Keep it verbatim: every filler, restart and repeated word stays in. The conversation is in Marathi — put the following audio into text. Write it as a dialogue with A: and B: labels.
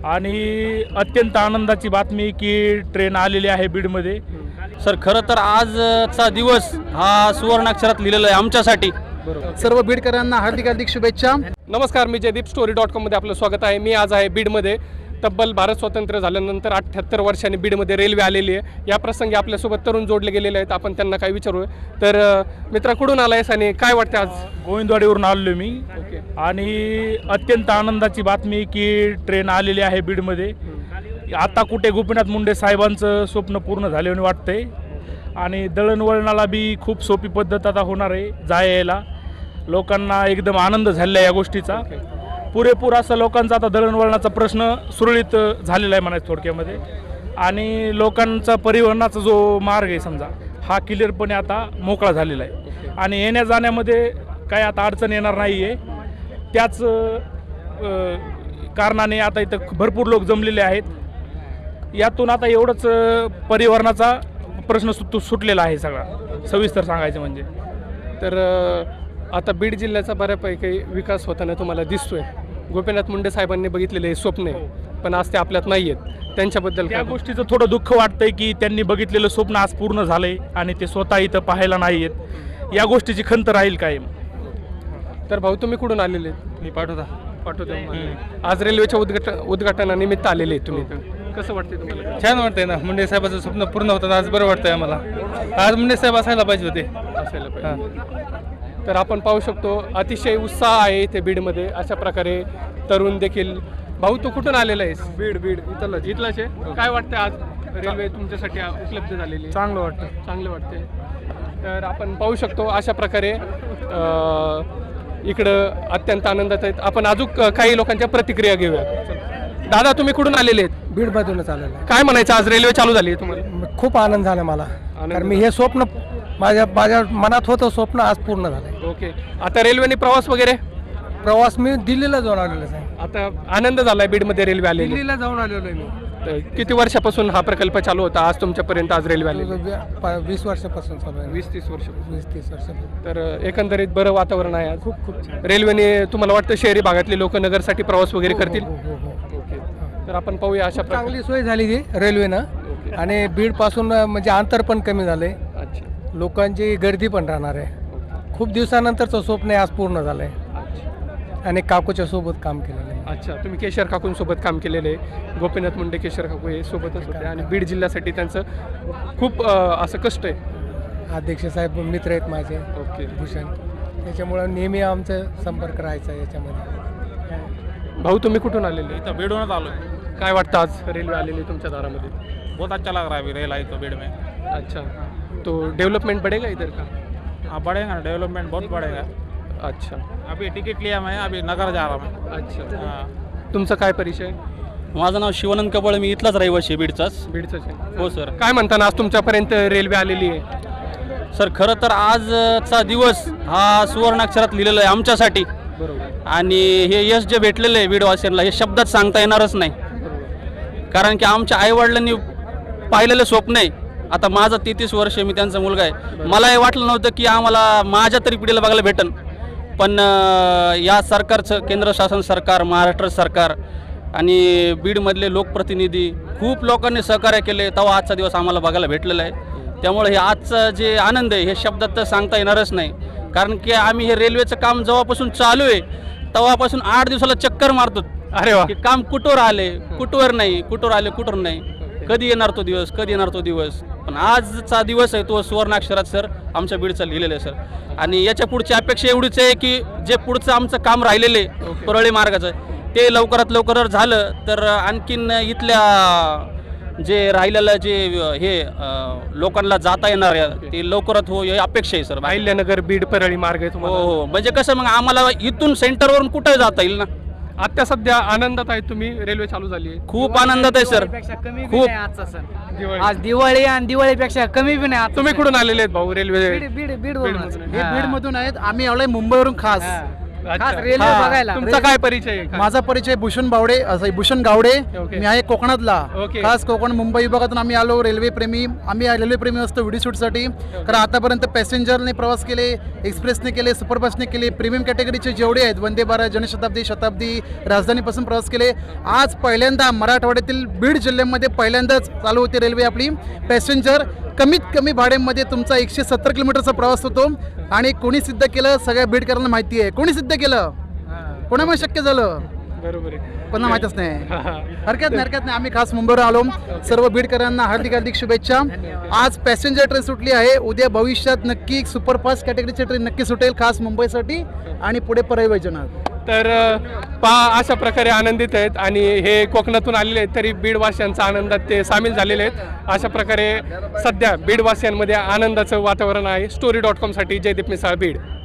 A: आणि अत्यंत आनंदाची बातमी की ट्रेन आलेली आहे बीडमध्ये।
B: सर खरं तर आजचा दिवस हा सुवर्णाक्षरात लिहिलेला आहे आमच्यासाठी।
C: सर्व बीडकरांना हार्दिक हार्दिक शुभेच्छा।
D: नमस्कार, मी जयदीप स्टोरी डॉट कॉममध्ये आपलं स्वागत आहे। मी आज आहे बीडमध्ये। तब्बल भारत स्वातंत्र्य झाल्यानंतर अठ्ठ्याहत्तर वर्षांनी बीडमध्ये रेल्वे आलेली आहे। या प्रसंगी आपल्यासोबत तरुण जोडले गेलेले आहेत, आपण त्यांना काय विचारू। तर मित्रा, कुठून आलायस आणि काय वाटतं आज?
A: गोविंदवाडीवरून आलो मी
D: ओके।
A: आणि अत्यंत आनंदाची बातमी की ट्रेन आलेली आहे बीडमध्ये। आता कुठे गोपीनाथ मुंडे साहेबांचं स्वप्न पूर्ण झाल्याने वाटतंय आणि दळणवळणाला बी खूप सोपी पद्धत आता होणार आहे। जाय यायला लोकांना एकदम आनंद झालेला आहे या गोष्टीचा। पुरेपूर असं लोकांचा आता दळणवळणाचा प्रश्न सुरळीत झालेला आहे म्हणायचं थोडक्यामध्ये। आणि लोकांचा परिवहनाचा जो मार्ग आहे समजा हा क्लिअरपणे आता मोकळा झालेला आहे आणि येण्या जाण्यामध्ये काय आता अडचण येणार नाही आहे। त्याच कारणाने आता इथं भरपूर लोक जमलेले आहेत। यातून आता एवढंच परिवहनाचा प्रश्न सुट सुटलेला आहे सगळा, सविस्तर सांगायचं म्हणजे।
D: तर आता बीड जिल्ह्याचा बऱ्यापैकी विकास होताना तुम्हाला दिसतोय। गोपीनाथ मुंडे साहेबांनी बघितलेले हे स्वप्न आहे, पण आज ते आपल्यात नाही आहेत। त्यांच्याबद्दल
A: त्या गोष्टीचं थोडं दुःख वाटतंय की त्यांनी बघितलेलं स्वप्न आज पूर्ण झालंय आणि ते स्वतः इथं पाहायला नाही आहेत। या गोष्टीची खंत राहील कायम।
D: तर भाऊ, तुम्ही कुठून आलेले?
B: मी पाठवता
D: पाठवतो। आज रेल्वेच्या उद्घाटन उद्घाटनानिमित्त आलेले आहेत तुम्ही, कसं वाटते तुम्हाला?
B: छान वाटतंय ना, मुंडे साहेबाचं स्वप्न पूर्ण होतं आज बरं वाटतंय आम्हाला। आज मुंडे साहेब असायला पाहिजे होते
D: असायला पाहिजे। तर आपण पाहू शकतो अतिशय उत्साह आहे इथे बीडमध्ये। अशा प्रकारे तरुण देखील। भाऊ, तू कुठून आलेला आहेस?
C: बीड बीड इथलं
D: इथलाच आहे। काय वाटतं आज रेल्वे तुमच्यासाठी उपलब्ध झालेली?
C: चांगलं वाटतं
D: चांगलं वाटते। तर आपण पाहू शकतो अशा प्रकारे इकडं अत्यंत आनंदात आहेत। आपण अजून काही लोकांच्या प्रतिक्रिया घेऊया। दादा, तुम्ही कुठून आलेले आहेत?
C: बीडमधूनच आलेलं आहे।
D: काय म्हणायचं, आज रेल्वे चालू झाली आहे तुम्हाला?
C: खूप आनंद झाला मला, कारण मी हे स्वप्न माझ्या माझ्या मनात होतं स्वप्न आज पूर्ण झालं।
D: ओके। आता रेल्वेने प्रवास वगैरे?
C: प्रवास मी दिल्लीला जाऊन आलेलो आहे।
D: आता आनंद झालाय बीडमध्ये रेल्वे आलेली।
C: दिल्लीला जाऊन आलेलो आहे मी।
D: तर किती वर्षापासून हा प्रकल्प चालू होता आज तुमच्यापर्यंत आज रेल्वे आली?
C: वीस वर्षापासून चालू आहे।
D: वीस तीस वर्ष
C: वीस तीस वर्ष
D: तर एकंदरीत बरं वातावरण आहे आज।
C: खूप खूप छान।
D: रेल्वेने तुम्हाला वाटतं शहरी भागातले लोक नगरसाठी प्रवास वगैरे करतील?
C: हो, हो, हो.
D: ओके। तर आपण पाहूया अशा प्रकारे।
C: चांगली सोय झाली ती रेल्वेनं आणि बीड पासून म्हणजे अंतर पण कमी झालंय।
D: अच्छा।
C: लोकांची गर्दी पण राहणार आहे। खूप दिवसानंतरचं स्वप्न आहे आज पूर्ण झालंय आणि काकूच्या सोबत काम केलेलं आहे।
D: अच्छा, तुम्ही केशर काकूंसोबत काम केलेलं आहे। गोपीनाथ मुंडे केशर काकू हे सोबतच होते आणि बीड जिल्ह्यासाठी त्यांचं खूप असं कष्ट आहे।
C: अध्यक्ष साहेब मित्र आहेत माझे,
D: ओके।
C: भूषण, त्याच्यामुळं नेहमी आमचं संपर्क राहायचा याच्यामध्ये।
D: भाऊ, तुम्ही कुठून आलेले?
A: इथं बीडूनच आलो।
D: काय वाटतं आज रेल्वे आलेली तुमच्या दारामध्ये?
A: बहुत अच्छा लग रहा है अभी रेल आई तो बीड में।
D: अच्छा, तो डेवलपमेंट बढ़ेगा इधर का?
A: हाँ बढ़ेगा, डेवलपमेंट बहुत बढ़ेगा।
D: अच्छा।
A: अभी टिकट लिया मैं, अभी नगर जा रहा हूँ।
D: अच्छा।
A: हाँ।
D: तुमचा काय परिचय?
B: माझं नाव शिवानंद कबळ, मी इथलाच रहिवासी बीडचाच।
D: बीडचाच आहे?
B: हो सर।
D: काय म्हणताना आज तुमच्यापर्यंत रेल्वे आलेली आहे?
B: सर खरं तर आजचा दिवस हा सुवर्णाक्षरात लिहिलेला आहे आमच्यासाठी।
D: बरोबर।
B: आणि हे यश जे भेटलेलं आहे बीडवासियांना हे शब्दात सांगता येणारच नाही, कारण की आमच्या आईवडिलांनी पाहिलेलं स्वप्न आहे। आता माझं तेहतीस वर्ष, मी त्यांचा मुलगा आहे। मला हे वाटलं नव्हतं की आम्हाला माझ्या तरी पिढीला बघायला भेटन, पण या सरकारचं, केंद्र शासन सरकार, महाराष्ट्र सरकार आणि बीडमधले लोकप्रतिनिधी खूप लोकांनी सहकार्य केले, तेव्हा आजचा दिवस आम्हाला बघायला भेटलेला आहे। त्यामुळे हे आजचं जे आनंद आहे हे शब्दात तर सांगता येणारच नाही, कारण की आम्ही हे रेल्वेचं काम जेव्हापासून चालू आहे तेव्हापासून आठ दिवसाला चक्कर मारतो।
D: अरे वा।
B: की काम कुठवर आले, कुठवर नाही, कुठवर आले, कुठवर नाही, कधी येणार तो दिवस, कधी येणार तो दिवस। पण आजचा दिवस आहे तो सुवर्णाक्षरात सर आमच्या बीडचा लिहिलेला आहे सर। आणि याच्या पुढची अपेक्षा एवढीच आहे की जे पुढचं आमचं काम राहिलेले परळी मार्गाचं ते लवकरात लवकर झालं तर आणखीन इथल्या जे राहिलेलं जे हे लोकांना जाता येणार आहे ते लवकरात हो ही अपेक्षा आहे सर।
D: अहिल्यानगर बीड परळी मार्ग आहे तुम्हाला?
B: हो हो, म्हणजे कसं मग आम्हाला इथून सेंटरवरून कुठं जाता येईल ना।
D: आता सध्या आनंदात आहे तुम्ही, रेल्वे चालू झाली आहे?
B: खूप आनंदात आहे सर।
E: खूप आजचा सण, आज दिवाळी आणि दिवाळीपेक्षा कमी बी नाही।
D: तुम्ही कुठून आलेले आहेत भाऊ? रेल्वे
E: बीड बीड बीड
D: बीडमधून
C: हे बीड मधून आहेत, आम्ही आलोय मुंबईवरून खास।
E: खास रेल्वे
F: हा.
E: बघायला
D: तुमचा काय परिचय आहे?
F: माझा परिचय भूषण बावडे असं भूषण गावडे.
D: ओके.
F: मी आहे कोकणातला.
D: ओके.
F: खास कोकण मुंबई विभागातून आम्ही आलो. रेल्वे प्रेमी आम्ही रेल्वे प्रेमी असतो व्हिडिओ शूटसाठी. कारण आतापर्यंत पॅसेंजरने प्रवास केले, एक्सप्रेसने केले, सुपरफास्टने केले, प्रीमियम कॅटेगरीचे जेवढे आहेत वंदे भारत, जनशताब्दी, शताब्दी, राजधानीपासून प्रवास केले. आज पहिल्यांदा मराठवाड्यातील बीड जिल्ह्यामध्ये पहिल्यांदाच चालू होती रेल्वे आपली पॅसेंजर. कमीत कमी भाड्यामध्ये तुमचा एकशे सत्तर किलोमीटरचा प्रवास होतो. आणि कोणी सिद्ध केलं सगळ्या बीडकरांना माहिती आहे. कोणी सिद्ध केलं, कोणामुळे शक्य झालं,
D: बरोबर आहे.
F: कोणाला माहीतच नाही. हरकत नाही हरकत नाही. आम्ही खास मुंबईवर आलो. सर्व बीडकरांना हार्दिक हार्दिक शुभेच्छा. आज पॅसेंजर ट्रेन सुटली आहे. उद्या भविष्यात नक्की सुपरफास्ट कॅटेगरीची ट्रेन नक्की सुटेल खास मुंबईसाठी आणि पुढे परळी वैजनाथ.
D: तर पहा अशा प्रकारे आनंदित आहेत आणि हे कोकणातून आलेले आहेत तरी बीडवासियांचा आनंदात ते सामील झालेले आहेत. अशा प्रकारे सध्या बीडवासियांमध्ये आनंदाचं वातावरण आहे. स्टोरी डॉट कॉमसाठी जयदीप मिसाळ, बीड.